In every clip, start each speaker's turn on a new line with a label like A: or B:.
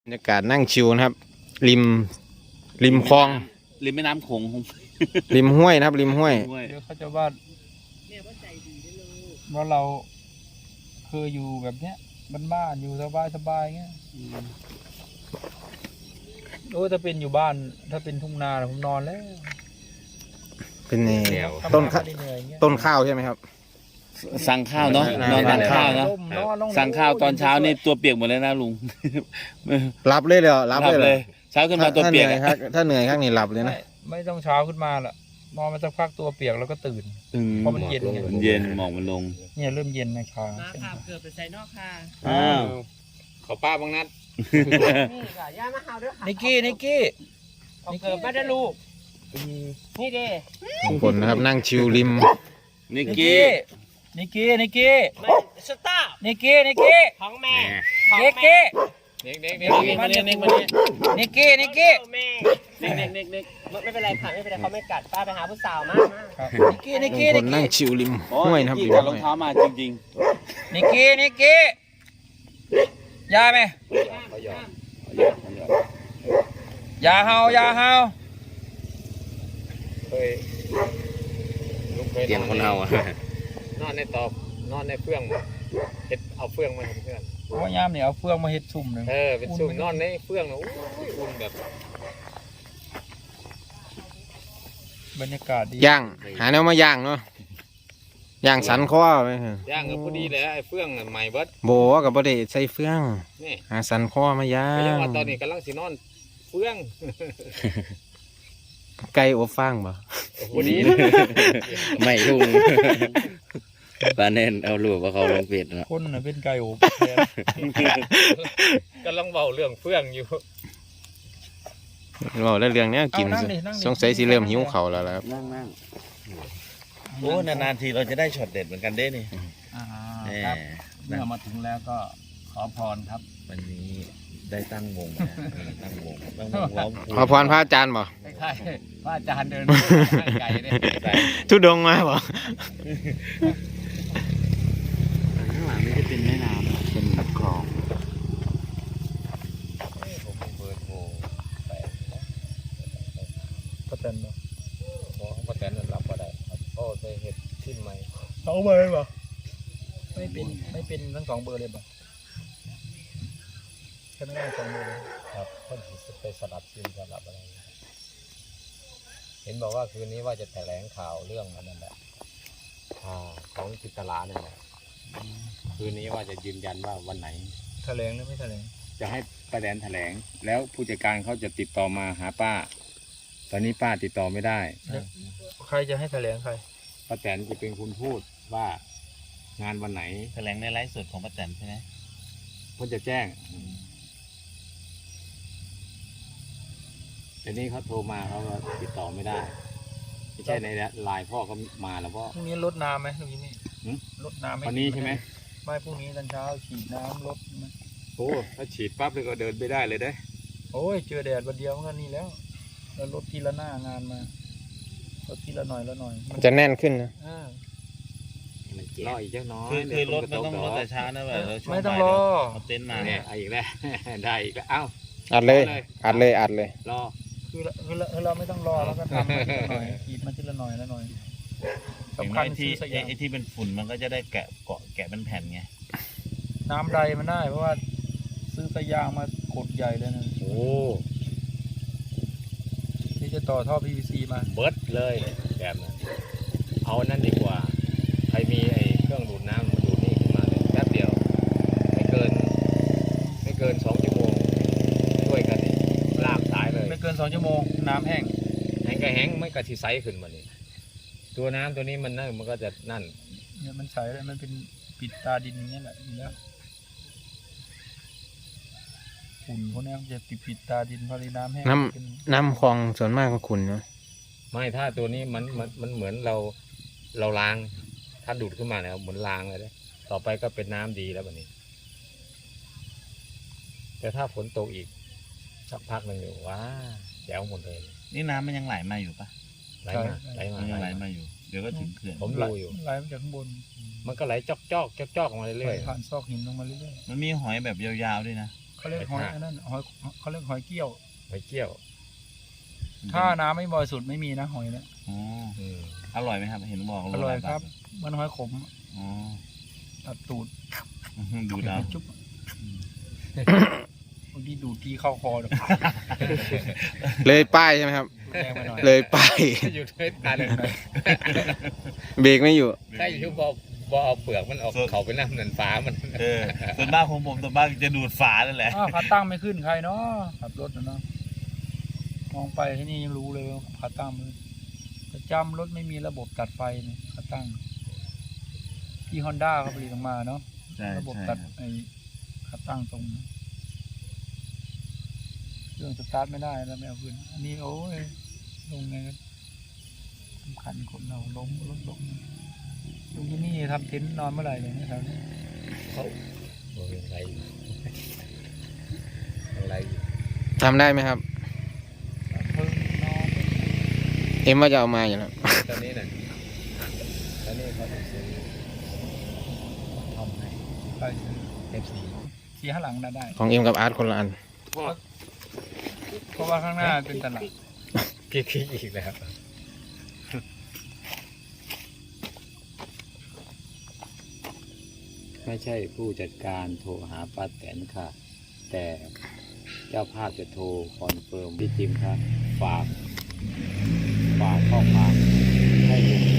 A: บรรยากาศนั่งชิวนะครับริมคลอง
B: ริมแม่น้ำโขง
A: ริมห้วยนะครับริมห้วย
C: เดี๋ยวเขาจะว่าว่าเราเคยอยู่แบบเนี้ยบ้านๆอยู่สบายๆเงี้ยโอ้ถ้าเป็นอยู่บ้านถ้าเป็นทุ่งนาผมนอนแล้ว
A: เป็นต้นข้าวใช่ไหมครับ
B: สั่งข้าวเนาะนอนสั่งข้าวนะสั่งข้าวตอนเช้านี่ตัวเปียกหมดเลยนะลุง
A: รับเลยเหรอรับเลย
B: เช้าขึ้นมาตัวเปียก
A: ถ้าเหนื่อยข้างนี้หลับเลยนะ
C: ไม่ต้องเช้าขึ้นมาละนอนมาสักพักตัวเปียกแล้วก็ตื่นเพราะมันเย็น
B: มันเย็นหมอกมันลง
C: เนี่ยเริ่มเย็นนะชา
D: เกือบไปใส่นอกค่ะ
A: เขาป้าบางนัด
D: นี่ค่ะย่ามาเฮาด้วยค่ะ
C: นิกกี้
D: เกิดมาได้ลูกนี่เด้
A: ทุกคนนะครับนั่งชิวริม
B: นิกกี้
C: ไม่สตาร์นิกกี้
D: ของแม่
C: นิกกี้
B: มาเนี่ย
C: นิกกี้
D: แม่เน็กไม่เป็นไรค่ะไม่เป็นไรเขาไม่กัดป้าไปหาผู้สาวมา
C: นิกกี้
A: คนนั่งชิวริมห้วยนะครับริม
B: รองเท้ามาจริง
C: ๆนิกกี้ยาไหมยาเฮา
A: เตียงคนเฮาอะ
E: นอนในตอบนอนในเฟื่องเฮ็ดเอาเฟื่องมาทำเพื่อน
C: ว่ายามเนี่ยเอาเฟืองมาเฮ็ดซุ่มหนึ่ง
E: เป็นซุ่มนอนในเฟื่องนะอุ่นแบบ
C: บรรยากาศดี
A: ย่างหาแนวมาย่างเนาะย่างสันคอไหม
E: ย่างก็พอดีเลยไอ้เฟื่องใหม่เบิด
A: โบกับบ่ได้ใส่เฟืองหาสันคอมาย่าง
E: ตอนนี้กำลังสินอนเฟื่อง
A: ไก่อบฟางบ่
E: พอดี
B: ไม่ลุงปาเน้นเอาลูกว่าเขาลงเฟซนะ
C: คนน่ะเป็นไก่อบ
E: กำลังเบาเรื่องเฟื่องอยู่
A: เราได้เรื่องนี้กินสงสัยสิเริ่มหิวเข่าแล้วครับ
B: นั่งโอ้นานๆทีเราจะได้ช็อตเด็ดเหมือนกันเด้นี่
C: ครับเมื่อมาถึงแล้วก็ขอพรครับ
B: วันนี้ได้ตั้งวงร้อง
A: ขอพรพระอาจารย์บ่
C: ใช่พระอาจารย์เดินไก่เนี่ย
A: ทุดงมาบ่
B: ข้างหลังนี่จะเป็นแม่น้ำเป็นคลอง
C: ป้าแตนบ่
E: ป้าแตนนั่นรับก็ได้โอ้ไปเห็ดชิ้นใหม่
C: 2 เบอร์เลยบ่ไม่เป็นทั้ง2 เบอร์เลยบ่แค่นั้น2 เบอร์เลย
E: ครับคนไปสลับชิ้นสลับอะไรเห็นบอกว่าคืนนี้ว่าจะแถลงข่าวเรื่องนั้นแหละของจิตลาเนี่ยคืนนี้ว่าจะยืนยันว่าวันไหน
C: แถลงหรือไม่แถลง
E: จะให้ป้าแตนแถลงแล้วผู้จัดการเขาจะติดต่อมาหาป้าตอนนี้ป้าติดต่อไม่ได้
C: ใครจะให้แถลงใคร
E: ป้าแตนจะเป็นคนพูดว่างานวันไหน
B: แถลงในไลฟ์สดของป้าแตนใช่ไหม
E: เขาจะแจ้งแต่นี่เขาโทรมาเขาก็ติดต่อไม่ได้ไม่ใช่ในไลน์พ่อก็มาแล้วพ่อ
C: พรุ่งนี้รดน้ำไหมพรุ่งนี้รดน้ำไหม
E: วันนี้ใช่ไหม
C: ไม่พรุ่งนี้ตอนเช้าฉีดน้ำรด
E: โอ้ถ้าฉีดปั๊บเลยก็เดินไม่ได้เลยได้
C: โอ้ยเจอแดดวันเดียวมันก็นี่แล้วรถทีละหน้างานมารถทีละหน่อย
A: จะแน่นขึ้นนะ
E: รออีกเจ้าน้อย
B: คือรถมันต้องรถแต่ช้านะแบบ
C: ไม่ต้องรอ
B: เต้นมา
E: เนี่ยอีกแล้วได้อีกแล้วเอ้า
A: อัดเลย
E: รอ
C: คือเราไม่ต้องรอแล้วก็ทำทีละหน่อยขีดมาทีละหน่อย
B: สำคัญที่ไอ้ที่เป็นฝุ่นมันก็จะได้แกะเป็นแผ่นไง
C: น้ำใดมันได้เพราะว่าซื้อสายยางมากดใหญ่เลยนะ
E: โอ้
C: ที่จะต่อท่อ PVC มา
E: เบิร์ดเลยแบบนั้นเอานั่นดีกว่าใครมีไอ้เครื่องดูดน้ำดูดนี่ขึ้นมาเลยแป๊บเดียวไม่เกิน2 ชั่วโมงช่วยกันลากสายเลย
C: ไม่เกิน2 ชั่วโมงน้ำแห้ง
E: ก็แห้งไม่กระทิไซขึ้นมานี่ตัวน้ำตัวนี้มันก็จะนั่น
C: เนี่ยมันใสเลยมันเป็นปิดตาดินอย่างนี้แหละแล้วขุ่นพวกนี้มันจะปิดตาดินพอดีน้ำแห้ง
A: น้ำคลองส่วนมากก็ขุ่นเนาะ
E: ไม่ถ้าตัวนี้มันเหมือนเราล้างถ้าดูดขึ้นมาแล้วเหมือนล้างเลยนะต่อไปก็เป็นน้ำดีแล้วแบบนี้แต่ถ้าฝนตกอีกสักพักหนึ่งอยู่ว้าแจ๋วหมดเลย
B: นี่น้ำมันยังไหลมาอยู่ปะ
E: ไหล
B: มาอยู่เดี๋ยวก็ถึงเขื่อน
E: ผมดูอยู่
C: ไหลมาจากข้างบน
E: มันก็ไหลจอกมาเรื่อย
C: ๆผ่านซอกหินลงมาเรื่อย
B: ๆมันมีหอยแบบยาวๆด้วยนะ
C: คเขาเรียกหอยอันนั้นหอยเขาเรียกหอยเกี้ยว
E: หอยเกี้ยว
C: ถ้าน้ำไม่บริสุทธิ์ไม่มีนะหอยนะ
B: อ๋อ
E: อืม
B: อร่อยไหมครับเห็นบอก
C: อร่อยครับมันหอยขม
B: อ๋อ
C: ตัดตูด
B: ดูดาว
C: จุ๊บบางทีดูดทีเข้าคอเดี๋ยว
A: เลยป้ายใช่ไหมครับ
C: แรงไปหน่อย
A: เลยป้าย
E: อยู่ด้วยกัน
A: เบรกไม่อยู่
E: ถ้าอยู่บ่เอาเปลือกมันออกเขาไปน้ำนันฟ้ามัน
B: ส่วนมากของผมส่วนมากจะดูดฝานั่นแหละ
C: อ้าวขาตั้งไม่ขึ้นใครเนาะขับรถนะเนาะมองไปที่นี่ยังรู้เลยว่าขาตั้งมือประจำรถไม่มีระบบตัดไฟเนี่ยขาตั้งที่ฮอนด้าเขาผลิตออกมาเนาะ
B: ใช่
C: ระบบ
B: ใช่
C: ตัดไอ้ขาตั้งตรงเครื่องสตาร์ทไม่ได้แล้วไม่เอาขึ้นอันนี้โอ้ยลงไงกันสำคัญคนเราล้มรถล้มลุงที่นี่ทำเต็นท์นอนเมื่อไหร่เลยนะครับ
E: เขาโอ้ยอะไรอยู่อะไรอยู่
A: ทำได้ไหมครับ
C: เพิ่งนอน
A: เอ็มว่าจะเอามาอยู่แล้ว
E: ตอนนี้น่ะตอนนี้เขาจะซื้อทำให้
C: ไป
E: FC
C: ขี่ข้างหลังน่ะได้
A: ของเอ็มกับอาร์ตคนละอัน
C: เพราะว่าข้างหน้าเป็นตลาด
E: พี่อีกแล้ว ไม่ใช่ผู้จัดการโทรหาป้าแตนค่ะ แต่เจ้าภาพจะโทรคอนเฟิร์มพี่จิมครับฝากข้อความให้ลุง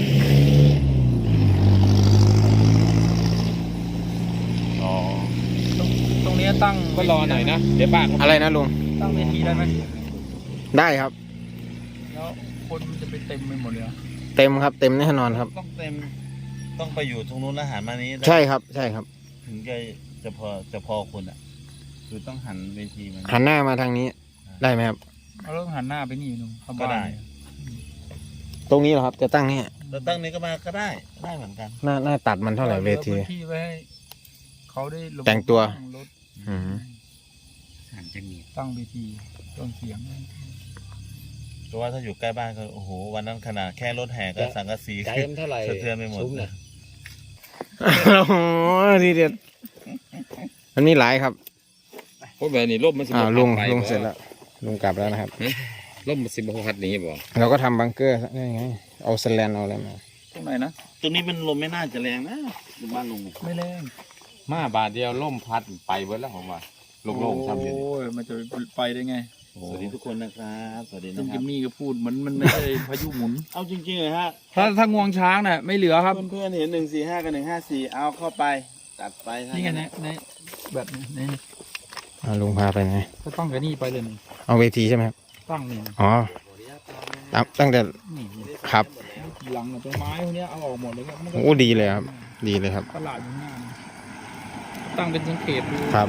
B: อ๋อ
C: ตรงนี้ตั้ง
B: ก็รอหน่อยนะเดี๋ยวป้า
A: อะไรนะลุง
C: ตั้งเวทีได้ไหม
A: ได้ครับ
C: แล้วคนมันจะไปเต็มไปหมดเลยเหรอ
A: เต็มครับ เต็มแน่นอนครับ
B: ต้องเต็มต้องไปอยู่ตรงนู้นแล้วหันมานี้
A: ใช่ครับ ใช่ครับ
B: ถึงจะพอคนอ่ะ คือต้องหันเวทีมัน
A: หันหน้ามาทางนี้ ได้ไหมครับ
C: เอาเรื่องหันหน้าไปนี่หนุ่มเข้า
B: ก็
C: บ้าน
B: ได้
A: ตรงนี้เหรอครับ จะตั้งนี่
B: แล้วตั้งนี้ก็มาก็ได้เหมือนกัน
A: หน้าตัดมันเท่าไหร่เวที
C: หลือพื้นที่ไว้ให้เขาได้ระบบ
A: แต่งตัว
C: รถ
A: อืม
C: ตั้งเวทีเครื่องเสียง
B: เพราะว่าถ้าอยู่ใกล้บ้านก็โอ้โหวันนั้นขนาดแค่รถแห่ก็สังกะสี
E: ใจมันเท่าไหร่
B: สะเทือนไปหมด
E: ซุ้น่ะ
A: โอ้โหทีเด็ดมันมีหลายครับ
E: พวกแบบนี้ร่มมันสิบ
A: ลุงเสร็จแล้ว ลุงกลับแล้วนะครับ
E: ร่มมันสิบพัดนี้บ่
A: เราก็ทำบังเกอร์ได้ไง เอาสแลนเอาอะไรมา
C: ตรงไหนนะ
B: ตรงนี้มันลมไม่น่าจะแรงนะดูบ้านลุง
C: ไม่แรง
E: มาบาทเดียวร่มพัดไปเบิดแล้วผมว่าโล่งๆทำอยู่
C: โอ้ยมันจะไปได้ไง
B: สวัสดีทุกคนนะครับสวัสดี
C: ลุ
B: นะ
C: ง
B: ค
C: กิ
B: รับ
C: มมี่ก็พูดเหมือนมันไม่ใช่พายุหมุน
B: เอาจริงๆเลยฮะ
C: ถ้างวงช้างน่ะไม่เหลือครับ
B: เพื่อนๆเห็น145กับ154เอาเข้าไปตัดไป
C: นี่ไงในแบบนี้
A: ลุงพาไปไหน
C: ก็ต้องกับนี่ไปเลยนี่
A: เอาเวทีใช่ไหมครับ
C: ตั้งนี่
A: อ๋อตั้งแต่
C: นี่
A: ครับ
C: ทีหลังน่ะต้นไม้พวกเนี้ยเอาออกหมดเลยครับมันก็
A: โอ้ดีเลยครับ ดีเลยครับ
C: ตลาดอยู่ข้างหน้านะตั้งเป็นสังเกตดู
A: ครับ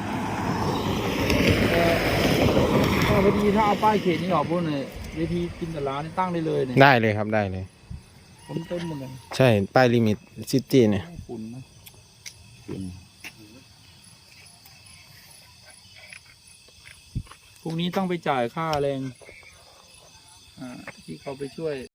C: ก็พอดีถ้าเอาป้ายเขตนี้ออกพวกเนี่ยเวทีกินแต่ร้านนี่ตั้งได้เลยเนี่ย
A: ได้เลยครับ ได้เลย
C: ผมเต็มหมดเลย
A: ใช่ ป้ายลิมิตซิตี้เนี่ย
C: ฝุ่นนะพรุ่งนี้ต้องไปจ่ายค่าแรงที่เขาไปช่วย